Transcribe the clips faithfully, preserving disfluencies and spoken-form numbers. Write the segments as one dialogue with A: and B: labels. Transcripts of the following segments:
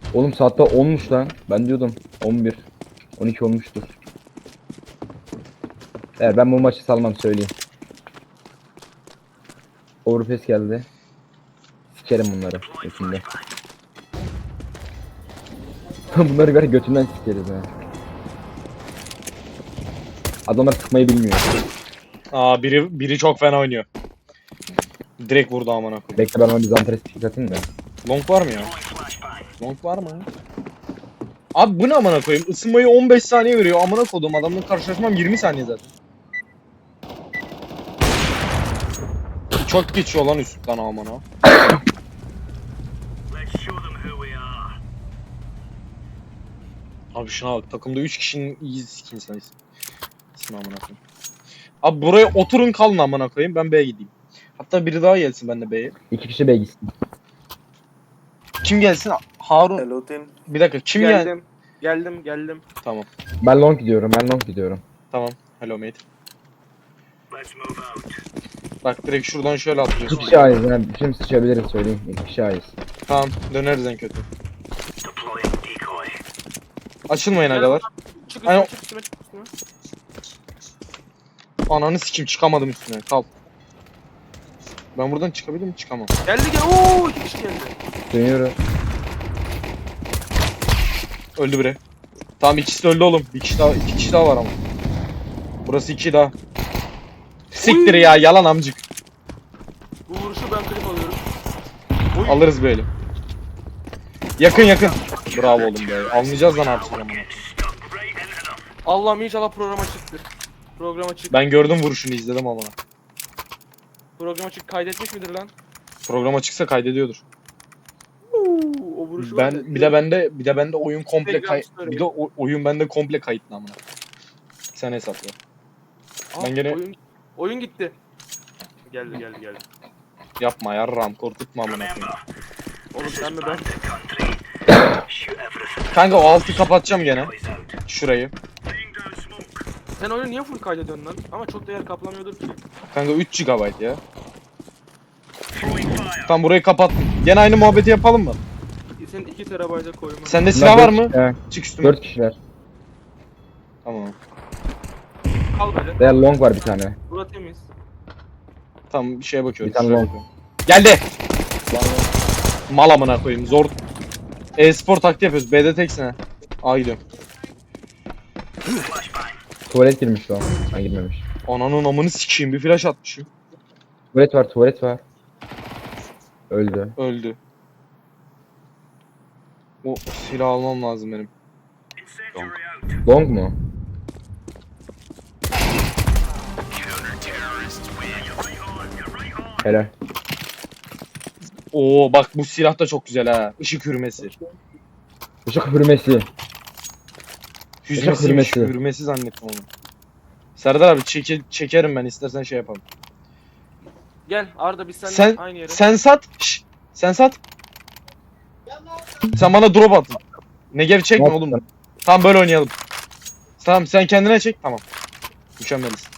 A: Oğlum saatte onmuş lan. Ben diyordum on bir. on iki olmuştur. Evet ben bu maçı salmam söyleyeyim. Overpass geldi. Sikerim bunları götümde. Bunları ver götünden sikeriz ha. Adamlar sıkmayı bilmiyor.
B: Aa biri biri çok fena oynuyor. Direkt vurdu amına koyayım.
A: Bekle ben ona bir zantres pik atayım da.
B: Long var mı ya? Long var mı? Abi bu ne amına koyayım? Isınmayı on beş saniye veriyor. Amına kodum adamla karşılaşmam yirmi saniye zaten. Çok geçiyor lan üstten amına. Abi şuna bak takımda üç kişinin iyi skin sayısı. İsmi amına koyayım. Abi buraya oturun kalın amına koyayım ben B'ye gideyim. Hatta biri daha gelsin ben de B'ye.
A: İki kişi bey gitsin.
B: Kim gelsin? Harun.
C: Hello team.
B: Bir dakika kim gel?
C: Geldim. Geldim geldim.
B: Tamam.
A: Ben long gidiyorum ben long gidiyorum.
B: Tamam. Hello mate. Bak direkt şuradan şöyle
A: İki
B: atlıyorsun.
A: kişi ayız yani şimdi sıçabiliriz söyleyeyim. İki kişi ayız.
B: Tamam döneriz en kötü. Açılmayın agalar.
C: Çık
B: Ay,
C: üstüme çık üstüme çık üstüme.
B: Ananı sikim çıkamadım üstüne. Kal. Ben buradan çıkabilir miyim? Çıkamam.
C: Geldi gel. Oo iki kişi geldi.
A: Dönüyorum.
B: Öldü biri. Tamam ikisi de öldü oğlum. Bir kişi daha, iki kişi daha var ama. Burası iki daha. Siktir ya yalan amcık.
C: Bu vuruşu ben klip alıyorum. Oy.
B: Alırız böyle. Yakın yakın. Bravo oğlum be. Almayacağız lan artık. Ama.
C: Allah'ım inşallah programa çıktı. Programa çık.
B: Ben gördüm vuruşunu izledim ama.
C: Programa çık kaydetmiş midir lan?
B: Programa çıksa kaydediyordur.
C: Uuu, o vuruşu var ya.
B: Ben bir de bende bir de bende oyun komple
C: Instagram
B: kay
C: story.
B: bir de o- oyun bende komple kayıtlı amına. Sen hesapla.
C: Aa,
B: ben gene-
C: oyun, oyun gitti. Geldi geldi geldi.
B: Yapma yarram korkutma amına koyayım.
C: Oğlum sen mi ben?
B: Kanka o altı kapatacağım gene. Şurayı.
C: Sen oyunu niye full kaydediyorsun lan? Ama çok da yer kaplamıyordur ki.
B: Kanka üç gigabayt ya. Tam burayı kapat. Gene aynı muhabbeti yapalım mı?
C: Senin iki terabayta koyma.
B: Sende silah var mı?
A: Evet.
B: Çık üstüme.
A: Dört kişiler.
B: Tamam.
C: Kal böyle.
A: Veya long var bir tane.
C: Burası temiz.
B: Tamam bir şeye bakıyorum.
A: Bir tane
B: şuraya
A: long.
B: bakıyorum. Geldi. Mal amına koyayım zor. E-spor taktiği yapıyoruz. B'de teksin ha. A gidiyorum.
A: Tuvalet girmiş o. Ha girmemiş.
B: Ananın amını sikeyim bir flash atmışım.
A: Tuvalet var tuvalet var. Öldü.
B: Öldü. O silah almam lazım benim.
A: Long mu? Helal.
B: Oo bak bu silah da çok güzel ha. Işık hürmesi.
A: Işık hürmesi.
B: Hüzmesiymiş.
A: hürmesi.
B: Hürmesi zannettim onu. Serdar abi çeke, çekerim ben istersen şey yapalım.
C: Gel Arda biz seninle
B: Sen
C: aynı yere.
B: sen sat. Şşş, sen sat. Sen bana drop atın. Negev çekme
A: Yok.
B: oğlum. Tamam böyle oynayalım. Tamam sen kendine çek tamam. Mükemmeliz.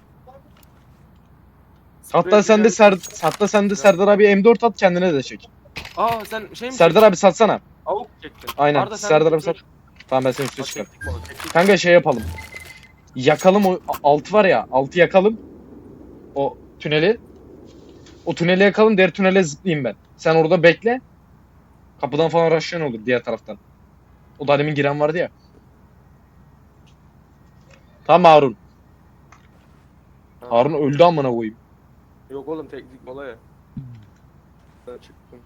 B: Hatta sen de Ser hatta sen de Serdar abi M dört at kendine de çek.
C: Aa sen şey mi
B: Serdar abi satsana.
C: Avuk çektin.
B: Aynen.
C: Arda, sen
B: Serdar
C: de
B: abi sat. Tamam ben seni üstüne
C: Bak,
B: çıkar.
C: çektik balık, çektik.
B: Kanka şey yapalım. Yakalım o altı var ya. Altı yakalım. O tüneli. O tüneli yakalım. Diğer tünele zıplayayım ben. Sen orada bekle. Kapıdan falan rushlayan olur diğer taraftan. O da demin giren vardı ya. Tamam Harun.
C: Ha.
B: Harun öldü amına koyayım.
C: Yok oğlum teknik mola ya. Ben çıktım.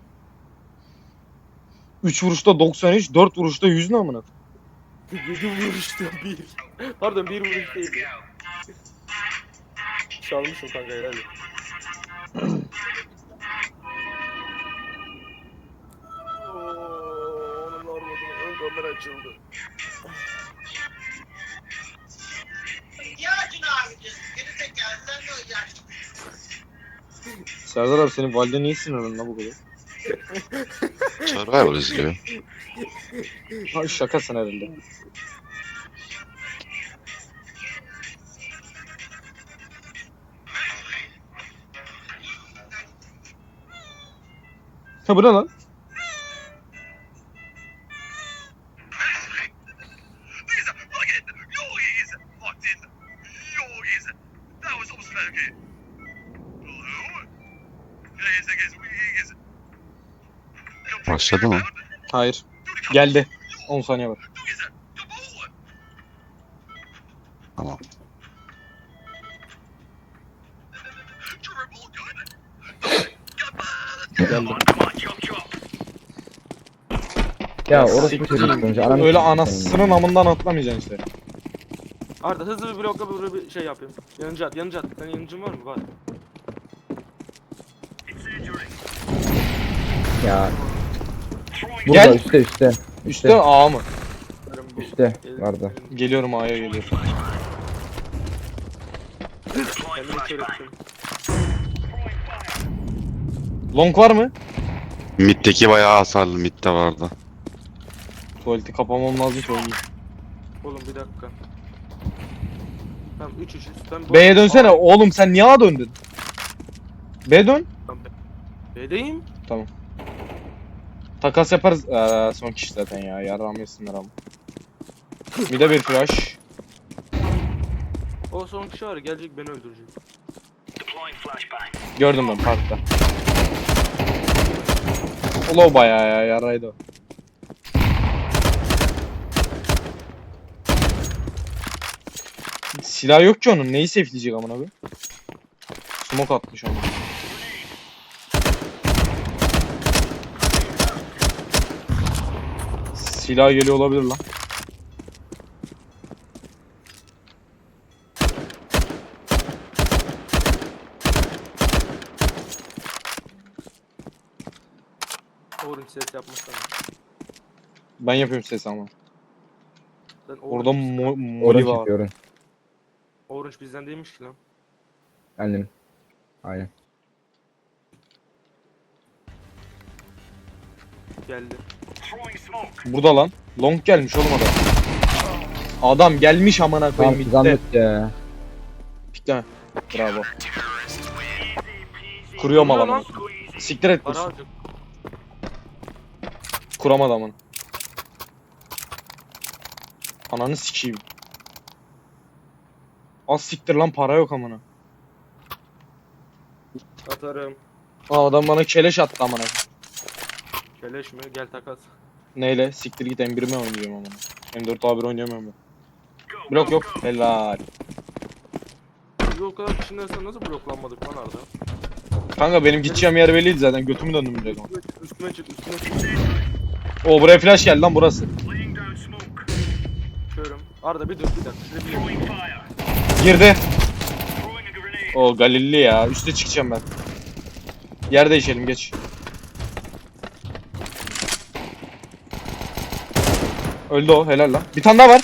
B: üç vuruşta doksan üç, dört vuruşta yüz ne amına?
C: yedi vuruşta bir. Pardon bir vuruş değil. Çalmışım kanka herhalde. Oo, onun ormadının ön kamera açıldı.
D: İhtiyacın abicim. Geri zekalı sen de o yaşlı.
B: Serdar abi senin valide niye sinirlendin lan bu kadar?
E: Survival izliyor.
B: Ha şakasın herhalde. Ha bu ne lan?
E: Başladı mı?
B: Hayır. Geldi. on saniye var.
E: Tamam.
B: Geldi.
A: Ya orası
B: Siktir.
A: bir çocuk önce. Ananı
B: Öyle
A: sikeyim
B: anasının amından atlamayacaksın işte.
C: Arda hızlı bir blokla böyle bir şey yapayım. Yanıcı at, yanıcı at. Senin yanıcın var mı? Var.
A: senin. Ya. Burada
B: Gel.
A: üstte üstte.
B: Üstte A mı?
C: Benim bu-
A: Üstte
C: Gel-
A: vardı.
C: benim-
B: Geliyorum A'ya geliyorum.
C: Kendimi kör ettim.
B: Long var mı?
E: Mid'deki bayağı hasarlı. Mid'de vardı.
B: Tuvaleti kapamam lazım ki oynayayım.
C: Oğlum bir dakika. Tamam üç üç. Ben bu-
B: B'ye dönsene. Oğlum sen niye A döndün? B dön.
C: Tamam, B'deyim.
B: Takas yaparız. Ee, son kişi zaten ya. Yarrağımı yesinler ama. Bir de bir flash.
C: O son kişi var ya, gelecek beni öldürecek.
B: Gördüm ben parkta. Olo bayağı ya. Yarraydı o. Silah yok ki onun. Neyi safe'leyecek amına koyayım? Smoke atmış onu. Silah geliyor olabilir lan.
C: Orange ses yapmasana.
B: Ben yapıyorum ses ama.
C: Sen
B: Orada
C: Orange,
B: mo moli
A: Orange
B: var.
A: yapıyorum.
C: Orange bizden değilmiş ki lan.
A: Annem. Aynen.
C: Geldi.
B: Burada lan. Long gelmiş oğlum adam. Adam gelmiş amına
A: Tamam
B: koyayım bitti.
A: zahmet ya.
B: Pikleme. Bravo. Kuruyorum
C: Vuruyor
B: adamı.
C: lan.
B: Siktir et
C: Para
B: kursun.
C: alacak.
B: Kuramadı amına. Ananı sikeyim. Az siktir lan para yok amına.
C: Atarım.
B: Aa adam bana keleş attı amına.
C: Keleş mi? Gel takas.
B: Neyle? Siktir git M bir mi oynayacağım amına. M dört A bir oynayamıyorum ben. Blok yok. Helal.
C: Biz o kadar kişinin arasında nasıl bloklanmadık lan Arda?
B: Kanka benim gideceğim yer belliydi zaten. Götümü döndüm direkt ama.
C: Üstüme çık, üstüme çık, üstüme çık.
B: Oo buraya flash geldi lan burası.
C: Körüm. Arda bir dur bir dakika. Şuraya bir
B: Girdi. O Galilli ya. Üste çıkacağım ben. Yer değişelim geç. Öldü o helal lan. Bir tane daha var.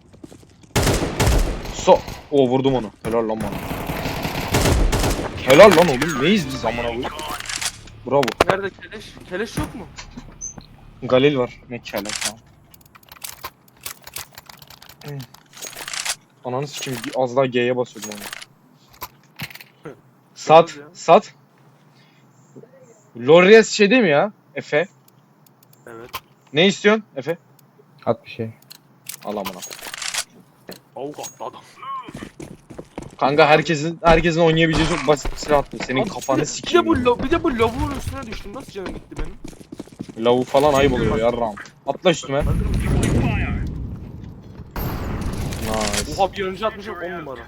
B: So. O vurdum onu. Helal lan bana. Helal lan oğlum. Neyiz biz amına koyayım? Bravo.
C: Nerede keleş? Keleş yok mu?
B: Galil var. Ne kele tamam. Hmm. Ananı sikeyim az daha G'ye basıyordum onu. Sat. Sat. Lorias şey değil mi ya? Efe.
C: Evet.
B: Ne istiyorsun Efe?
A: At bir şey.
B: Al amına.
C: Avukat adam.
B: Kanka herkesin herkesin oynayabileceği çok basit bir silah attı. Senin
C: Abi,
B: kafanı
C: bir de-
B: sikeyim.
C: Bir de bu, lo- bir de bu lavuğun üstüne düştüm. Nasıl canım gitti benim?
B: Lavu falan ayıp oluyor yarram. Atla üstüme. Nice.
C: Oha bir önce atmışım on numara.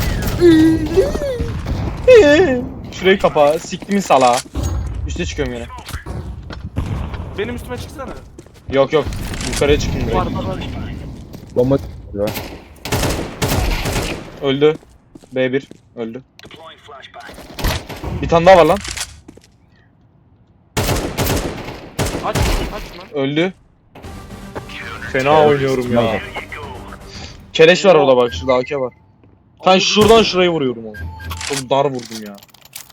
B: Şurayı kapa. Siktimin salağı. Üste çıkıyorum yine.
C: Benim üstüme çıksana.
B: Yok yok. Yukarıya çıktım direkt.
C: Var var var.
A: Bomba var.
B: Öldü. B bir. Öldü. Bir tane daha var lan.
C: Aç aç lan.
B: Öldü. Fena oynuyorum ya. Keleş var orada bak. Şurada A K var. Ben şuradan şurayı vuruyorum onu. Çok dar vurdum ya.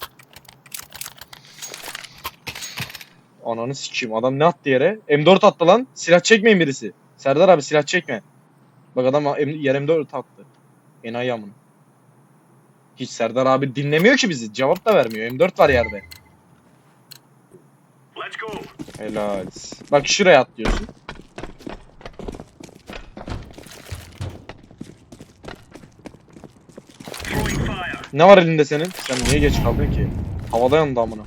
B: Ananı sikeyim. Adam ne attı yere? M dört attı lan. Silah çekmeyin birisi. Serdar abi silah çekme. Bak adam M- yer M dört attı. Enayi amına. Hiç Serdar abi dinlemiyor ki bizi. Cevap da vermiyor. M dört var yerde. Helal. Bak şuraya atlıyorsun. Ne var elinde senin? Sen niye geç kaldın ki? Havada yandı amına.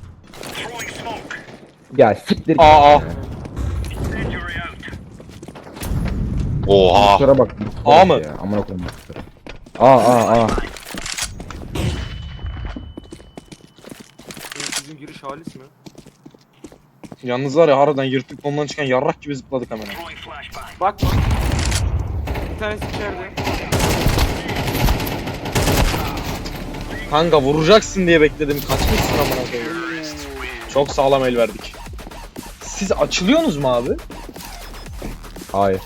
A: Ya siktir.
B: Aa, aa.
E: Oha.
A: Kusura bak.
B: A mı?
A: Ya, amına koyayım. Aa aa aa.
C: Sizin giriş halis mi?
B: Yalnız var ya harbiden yırtık kolundan çıkan yarrak gibi zıpladık hemen.
C: Bak. Bir tanesi içeride.
B: Kanka vuracaksın diye bekledim. Kaçmışsın amına koyayım. Çok sağlam el verdik. Siz açılıyorsunuz mu abi?
A: Hayır.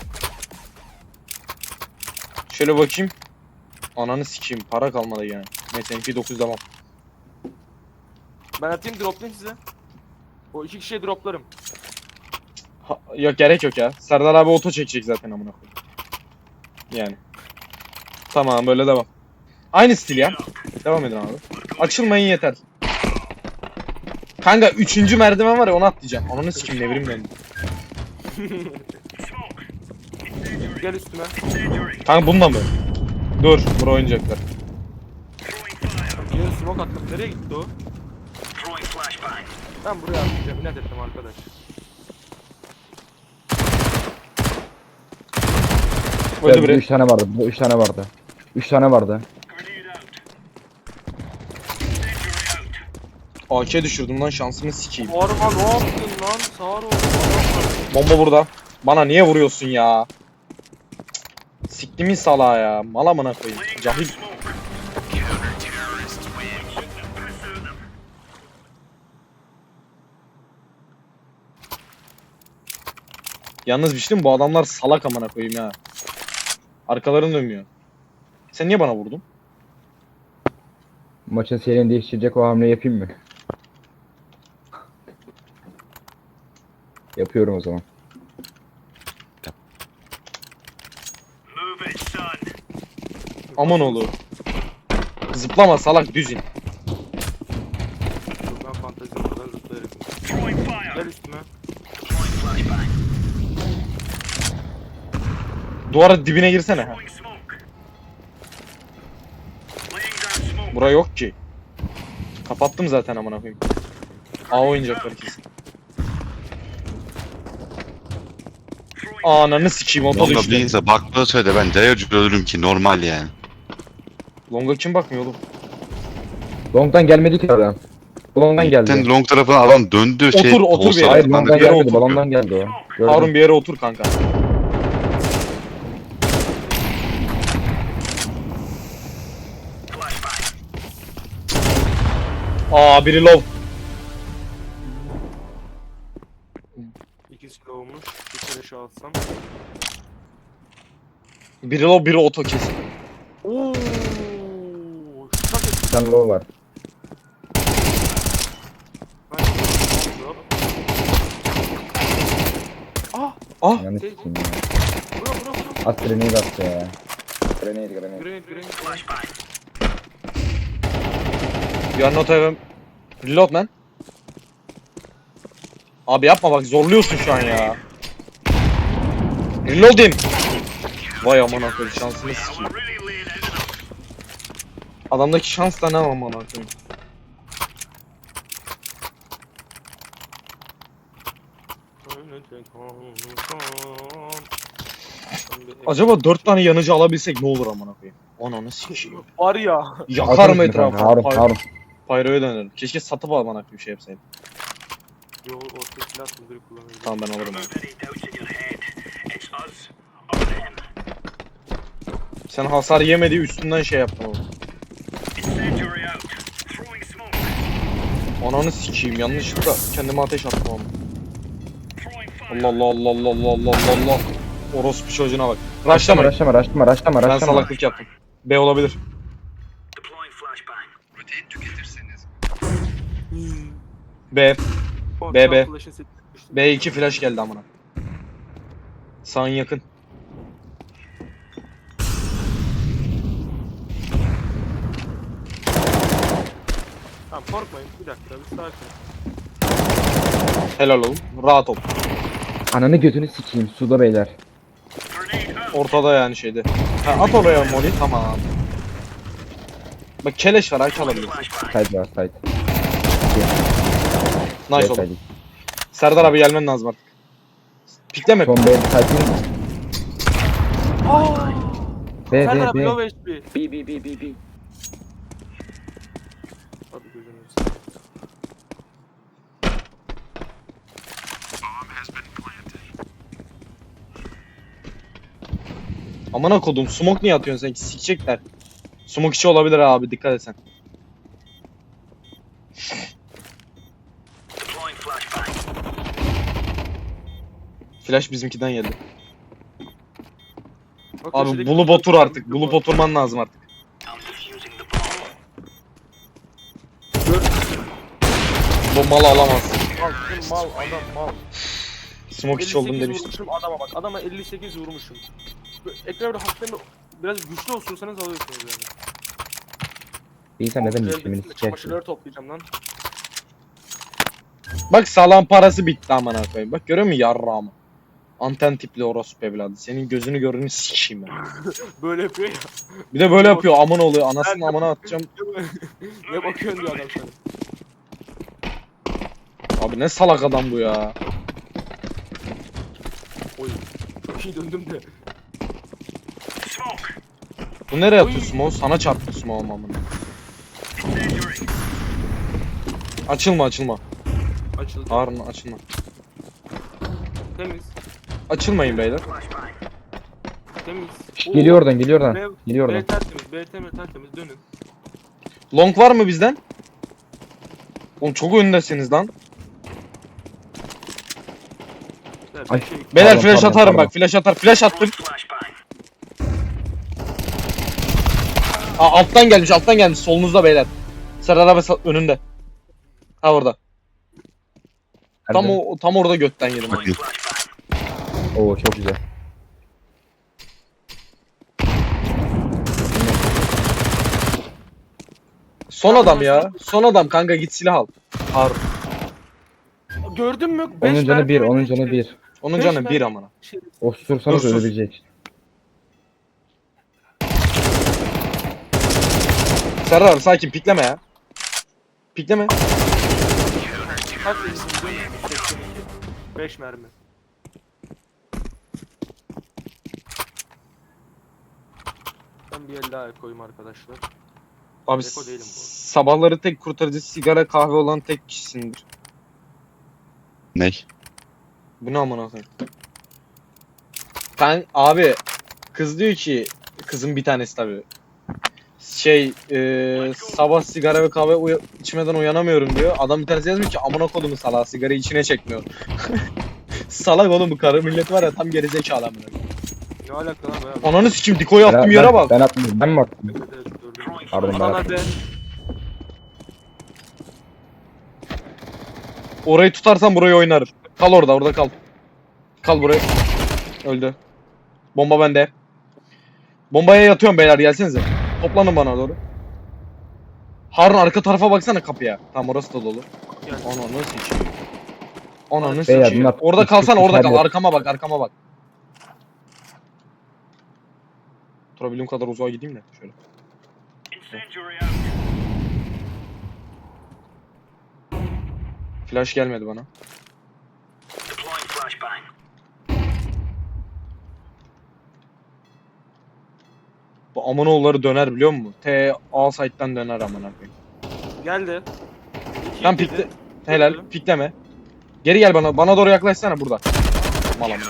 B: Şöyle bakayım. Ananı sikeyim. Para kalmadı yani. Neyse M P dokuz devam.
C: Ben atayım droplayayım size. O iki kişiye droplarım.
B: Ha, yok gerek yok ya. Serdar abi oto çekecek zaten amına koyayım. Yani. Tamam böyle devam. Aynı stil ya. Devam edin abi. Açılmayın yeter. Kanka üçüncü merdiven var ya onu atlayacağım. Ananı sikeyim ne bileyim ben.
C: Gel üstüme.
B: Kanka bunda mı? Dur, bura oynayacaklar.
C: Gel smoke attım. Nereye gitti o? Ben buraya atlayacağım. İnat ettim arkadaş.
B: Öldü
A: Burada
B: biri.
A: üç tane vardı. Burada üç tane vardı. Üç tane vardı.
B: A K düşürdüm lan şansımı sikeyim.
C: Arma ne yaptın lan? Sağır oldu.
B: Bomba burada. Bana niye vuruyorsun ya? Cık, siktimin salağı ya. Mal amına koyayım. Cahil. Yalnız bir şey diyeyim mi? Bu adamlar salak amına koyayım ya. Arkalarını dönmüyor. Sen niye bana vurdun?
A: Maçın seyrini değiştirecek o hamleyi yapayım mı? Yapıyorum o zaman.
B: Aman oğlum. Zıplama salak düz in.
C: Dur ben fantezi buradan zıplarım. Gel üstüme.
B: Duvara dibine girsene. Ha. Bura yok ki. Kapattım zaten amına koyayım. A oynayacaklar kesin. Ananı sikeyim oto
E: Longa
B: düştü.
E: değilse baktığı söyle ben Deyocu ölürüm ki normal yani.
B: Longa kim bakmıyor oğlum?
A: Long'dan gelmedi ki adam. Long'dan
E: Sen
A: geldi.
E: long tarafına adam döndü şey.
B: Otur, otur bir yere.
A: Hayır
B: Ben de
A: Long'dan
B: bir yere
A: gelmedi.
B: otur.
A: Balondan geldi o. Gördüm.
B: Harun bir yere otur kanka. Aa biri low.
C: İki kilo olmuş. Bir kere şey alsam.
B: Biri low biri oto kesin.
C: Ooo. Şak et.
A: Bir tane low var.
C: Ben drop. Ah.
B: Ah
A: Yani
C: Şey-
A: sikeyim ya.
C: Bura bura bura.
A: At grenade attı ya. Grenade grenade.
C: Grenade grenade.
B: you are not even... Reload lan. Abi yapma bak zorluyorsun şu an ya. Reloading. Vay aman akıllı şansını sikeyim. Adamdaki şans da ne aman akıllı. Acaba dört tane yanıcı alabilsek ne olur aman akıllı. Ananı sikeyim.
C: Var ya.
B: Yakar
A: Atarım
B: mı
A: şimdi kanka,
B: etrafı?
A: Harun
B: Py-
A: Harun.
B: Pyro'ya dönerim. Keşke satıp alman akıllı bir şey yapsaydım.
C: Yo orta silah sındırı kullanıyorum.
B: Tamam ben alırım abi. Sen hasar yemediği üstünden şey yaptın oğlum. Ananı sikeyim yanlışlıkla kendime ateş attım oğlum. Allah Allah Allah Allah Allah Allah Allah Allah. Orospu çocuğuna bak. Rushlamayın.
A: Raşlama raşlama raşlama
B: Ben
A: raşlama.
B: salaklık yaptım. B olabilir. B. B, B. B iki flash geldi amına. Sağın yakın.
C: Tamam korkmayın bir dakika bir sakin.
B: Helal oğlum. Rahat ol.
A: Ananı götünü sikeyim suda beyler.
B: Ortada yani şeyde. Ha, at oraya Molly tamam. Bak keleş var aç alabilirsin.
A: Side var side.
B: Nice oldu. Serdar abi gelmen lazım artık. Pikleme.
A: Son B side'in
C: Aaa!
A: B
C: Serdar
A: B
C: abi
A: B.
C: low H P.
A: B B B B B.
C: Hadi gözünü seveyim.
B: Amına kodum smoke niye atıyorsun sen? Sikecekler. Smoke içi olabilir abi dikkat et sen. Flash bizimkiden geldi.
C: Bak,
B: Abi
C: köşedeki-
B: bulup otur artık. Bulup oturman lazım artık. Bu malı alamazsın.
C: Mal, bizim mal, adam mal.
B: Smoke içi oldum
C: elli sekiz
B: demiştim.
C: vurmuşum adama bak. Adama elli sekiz vurmuşum. Böyle Ekran bir hafiften bir- biraz güçlü osursanız alıyorsunuz yani.
A: İyi sen neden
C: Elde
A: düşümünü
C: bütün
A: sikersin?
C: Çamaşırları toplayacağım lan.
B: Bak sağlam parası bitti amına koyayım. Bak görüyor musun yarrağımı? Anten tipli orospu evladı. Senin gözünü görünü sikeyim ben.
C: Böyle yapıyor ya.
B: Bir de böyle yapıyor amına oluyor. Anasını amına atacağım.
C: Ne bakıyorsun diyor adam sana.
B: Abi ne salak adam bu ya.
C: Oy. Çok iyi döndüm de.
B: Bu nereye atıyor smoke? Sana çarptı smoke amına. Açılma açılma.
C: Açıldı.
B: Harun açılma.
C: Temiz.
B: Açılmayın beyler.
C: Temiz.
A: Şşt, geliyor oradan geliyor oradan.
C: B,
A: Geliyor
C: B
A: oradan.
C: tertemiz. B temiz tertemiz. Dönün.
B: Long var mı bizden? Oğlum çok öndesiniz lan.
C: Evet,
A: Ay.
C: bir şey-
B: Beyler
A: Pardon,
B: flash
A: pardon,
B: atarım
A: pardon.
B: bak flash atar. Flash attım. Aa, alttan gelmiş alttan gelmiş solunuzda beyler. Serdar abi sa- önünde. Ha orada. Tam
A: Nerede?
B: o tam orada götten yedim. ben.
E: Bakayım.
A: Oo çok güzel.
B: Son adam ya. Son adam kanka git silah al. Harun.
C: Gördün mü?
A: Onun
C: Beş
A: canı
C: mermi
A: bir, onun
C: öldü
A: canı
C: işte.
A: bir.
B: Onun
C: Beş
B: canı bir
C: mermi-
B: amına.
C: Şey,
A: Osursanız
B: Dur, sus.
A: ölebilecek.
B: Serdar abi sakin pikleme ya. Pikleme.
C: kaç yaşındasın? seksen iki. beş mermi. Ben bir el daha koyayım arkadaşlar.
B: Abi
C: Eko değilim bu.
B: sabahları tek kurtarıcı sigara kahve olan tek kişisindir.
E: Ney?
B: Bu ne amına koyayım? Ben abi kız diyor ki kızın bir tanesi tabii. Şey e, sabah sigara ve kahve uya- içmeden uyanamıyorum diyor. Adam bir tanesi yazmış ki amına kodumu salağı sigarayı içine çekmiyor. Salak oğlum bu karı millet var ya tam gerizekalı amına.
C: Ne alaka lan be?
B: Ananı sikim dikoyu attım
A: Ben-
B: yere
A: ben-
B: bak.
A: Ben attım. Ben mi attım?
C: Evet, evet, gördüm.
A: Pardon ben
C: Adana
A: attım.
C: be.
B: Orayı tutarsan burayı oynarım. Kal orada orada kal. Kal buraya. Öldü. Bomba bende. Bombaya yatıyorum beyler gelsenize. Toplanın bana doğru. Harun arka tarafa baksana kapıya. Tamam orası da dolu.
C: Yani.
B: Ananı sikeyim. Ananı
A: Beyler,
B: sikeyim.
A: bunlar
B: Orada
A: üç
B: kalsana
A: kişi
B: orada kal.
A: içeride.
B: Arkama bak arkama bak. Durabildiğim kadar uzağa gideyim de şöyle. Flash gelmedi bana. Bu amanoğulları döner biliyor musun? T A site'den döner amına koyayım.
C: Geldi. İki
B: Tam
C: yedi.
B: pikle. Helal. Pikleme. Geri gel bana. Bana doğru yaklaşsana burada. Mal amına.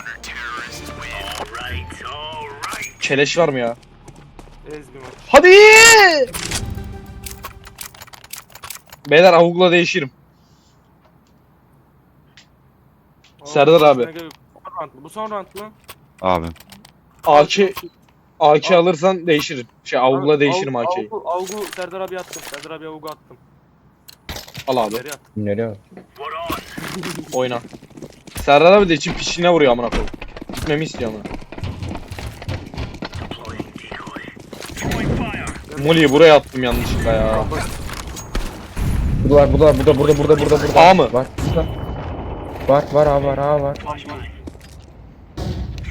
B: Keleş var mı ya?
C: Ezgin var.
B: Hadi! Beyler avukla değişirim. Serdar abi.
C: Son round mı? Bu son round mu?
E: Abi.
B: A K A K alırsan değişirim. Şey avukla değişirim A K'yi.
C: Avgu, Avgu Serdar abi attım. Serdar abi Avgu attım.
B: Al abi.
C: Nereye attım?
A: Nereye bak?
B: Oyna. Serdar abi de için pişine vuruyor amına koyayım. Gitmemi istiyor amına. Molly'yi buraya attım yanlışlıkla ya.
A: Burada var, burada var, burada, burada, burada, burada, burada.
B: A mı?
A: Var, burada. Var, var, A var, A var.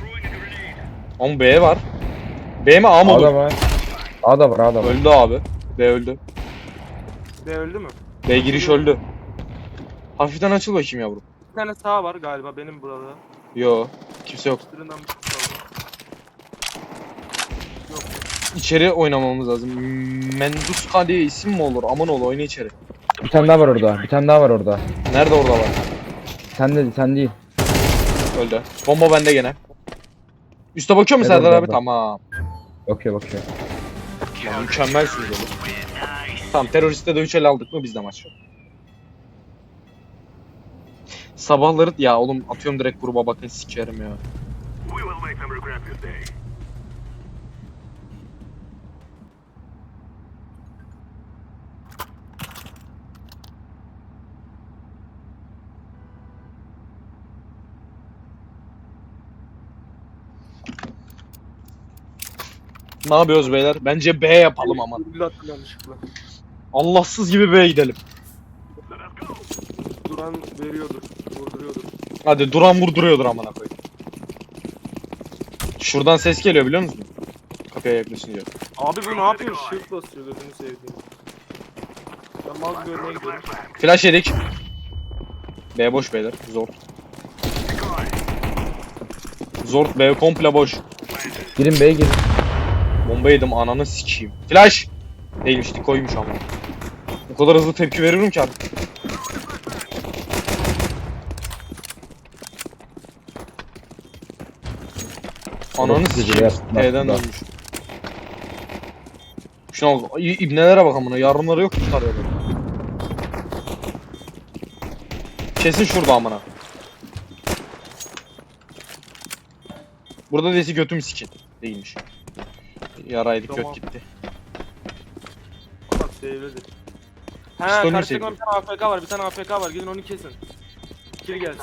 B: Ama B var. B mi A mı
A: A da
B: olur?
A: var. A da var, A da var.
B: Öldü abi. B öldü.
C: B öldü mü?
B: B giriş öldü. Hafiften açıl bakayım yavrum.
C: Bir tane sağ var galiba benim burada.
B: Yo. Kimse yok.
C: Üstünden bir şey kaldı. Yok.
B: İçeri oynamamız lazım. Menduska diye isim mi olur? Aman ol oyna içeri.
A: Bir tane daha var orada. Bir tane daha var orada.
B: Nerede orada var?
A: Sen de sen değil.
B: Öldü. Bomba bende gene. Üste bakıyor mu
A: Evet,
B: Serdar
A: evet,
B: abi?
A: evet.
B: Tamam.
A: Bakıyor bakıyor.
B: Lan mükemmelsiniz oğlum. Tamam teröriste de üç el aldık mı bizde maç yok. Sabahları ya oğlum atıyorum direkt gruba bakın sikerim ya. Ne yapıyoruz beyler? Bence B yapalım ama.
C: Virgül attım yanlışlıkla.
B: Allahsız gibi B'ye gidelim.
C: Duran veriyordur. Vurduruyordur.
B: Hadi duran vurduruyordur amına koyayım. Şuradan ses geliyor biliyor musun? Kapıya yaklaşınca.
C: Abi bu ne yapıyor? Shift basıyor gözünü sevdiğim. Ben mal gibi önüne gidiyorum.
B: Flash yedik. B boş beyler. Zor. Zor B komple boş.
A: Girin B'ye girin.
B: Bomba yedim ananı sikeyim. Flash! Değilmiş koymuş ama. O kadar hızlı tepki veriyorum ki artık. Ananı
A: Orası
B: sikeyim.
A: güzel,
B: T'den
A: aslında.
B: dönmüş. Şuna bak. İ- İbnelere bak amına. Yarınları yok tutarıyorlar. Kesin şurada amına. Burada desi götüm sikin. Değilmiş. Yaraydık
C: Tamam.
B: göt gitti.
C: Bak sevledi. He
B: Stone
C: karşıda
B: sevdi.
C: bir tane A F K var bir tane A F K var gidin onu kesin. Kill gelsin.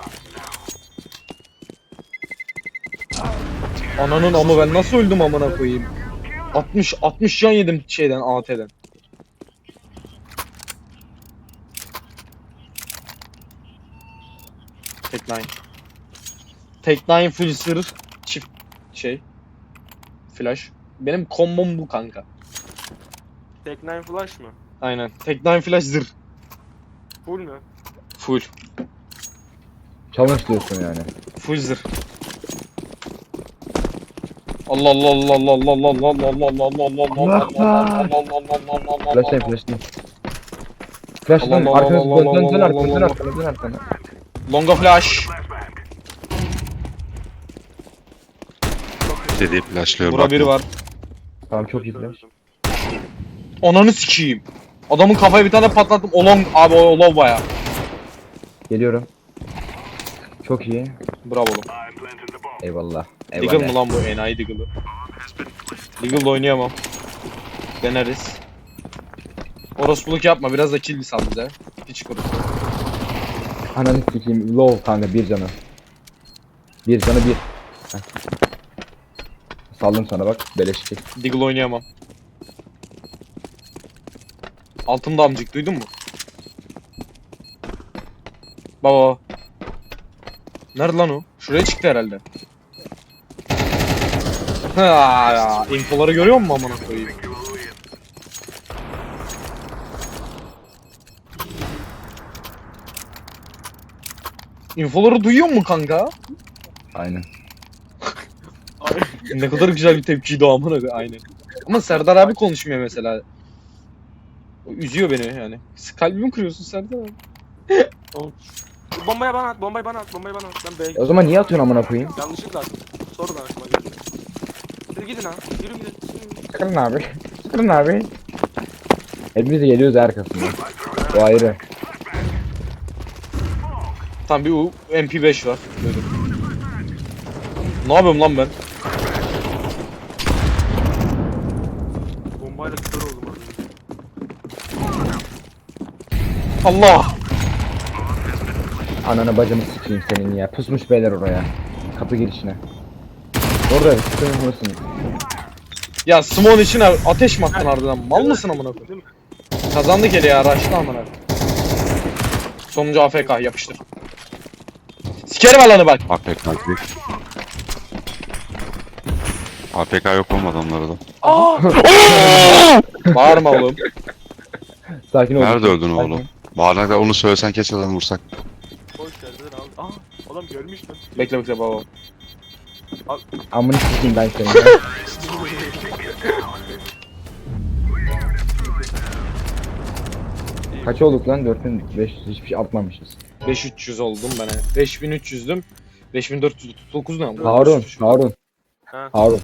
B: Ananın ama ben nasıl öldüm amına koyayım. altmış altmış can yedim şeyden A T'den. Tek nine. Tek nine full sır çift şey. Flash. Benim kombom bu kanka.
C: Tek nine flash mı?
B: Aynen. Tek nine flash zırh.
C: Full mü?
B: Full.
A: Challenge diyorsun yani.
B: Full zırh. Allah Allah Allah Allah Allah Allah Allah Allah Allah Allah Allah Allah Allah Allah
A: Flash'layın flash'layın. Flash'layın
B: Allah Allah
A: arkanız
B: Allah Allah
A: dön dön
B: Allah
A: arkanı dön
B: Allah.
A: arkanı dön arkanı.
B: Longa flash.
E: Dediği flashlıyor
B: Bura biri var.
A: Tamam çok iyi flash.
B: Ananı sikeyim. Adamın kafaya bir tane patlattım. Olong abi o olov baya.
A: Geliyorum. Çok iyi.
B: Bravo oğlum.
A: Eyvallah.
B: Deagle mı
A: Eyvallah.
B: lan bu enayi Deagle'ı? Deagle'la oynayamam. Deneriz. Orospuluk yapma biraz da kill sal bize. Hiç kurusun.
A: Ananı sikeyim. Low kanka bir canı. Bir canı bir. Heh. Saldım sana bak. Beleş çek.
B: Deagle oynayamam. Altımda amcık duydun mu? Baba. Nerede lan o? Şuraya çıktı herhalde. Ha ya, infoları görüyor musun amına koyayım? İnfoları duyuyor mu kanka?
A: Aynen.
B: Ne kadar güzel bir tepkiydi o amına koyayım. Aynen. Ama Serdar abi konuşmuyor mesela. O üzüyor beni yani. Kalbimi kırıyorsun Serdar abi.
C: Bombayı bana at, bombayı bana at, bombayı bana at. Ben B'ye
A: E o zaman niye atıyorsun amına koyayım?
C: yanlışlıkla attım. Sonradan aklıma geldi. Hadi gidin ha, yürü gidin.
A: Sıkırın abi. Sıkırın abi. Hepimiz de geliyoruz arkasından. O ayrı.
B: Tam bir U M P beş var. Böyle. Ne yapıyorum lan ben?
C: Bombayla kör oldum abi.
B: Allah!
A: Ananı bacını sikeyim senin ya. Pusmuş beyler oraya. Kapı girişine. Orada sıkıntı mısın?
B: Ya Simon için ateş mi attın ardından? Mal mısın amına koyayım?
C: Değil mi?
B: Kazandık hele ya, raştı amına. Sonuncu A F K yapıştır. Sikerim alanı bak.
E: A P K değil. A P K yok olmadı onlara da.
C: Aa!
B: Bağırma oğlum.
A: Sakin ol.
E: Nerede öldün
A: Sakin
E: oğlum?
A: ol.
E: Bağırmakla onu söylesen keşke adam vursak.
C: Boş verdiler abi. Aa! Adam görmüş lan.
B: Bekle bekle baba.
A: Amını sikeyim ben seni. ya. Kaç olduk lan? dört bin beş yüz hiçbir şey atmamışız.
B: beş bin üç yüz oldum ben. beş bin üç yüzdüm. beş bin dört yüz otuz dokuz ne?
A: Harun, Harun,
C: Ha.
A: Harun.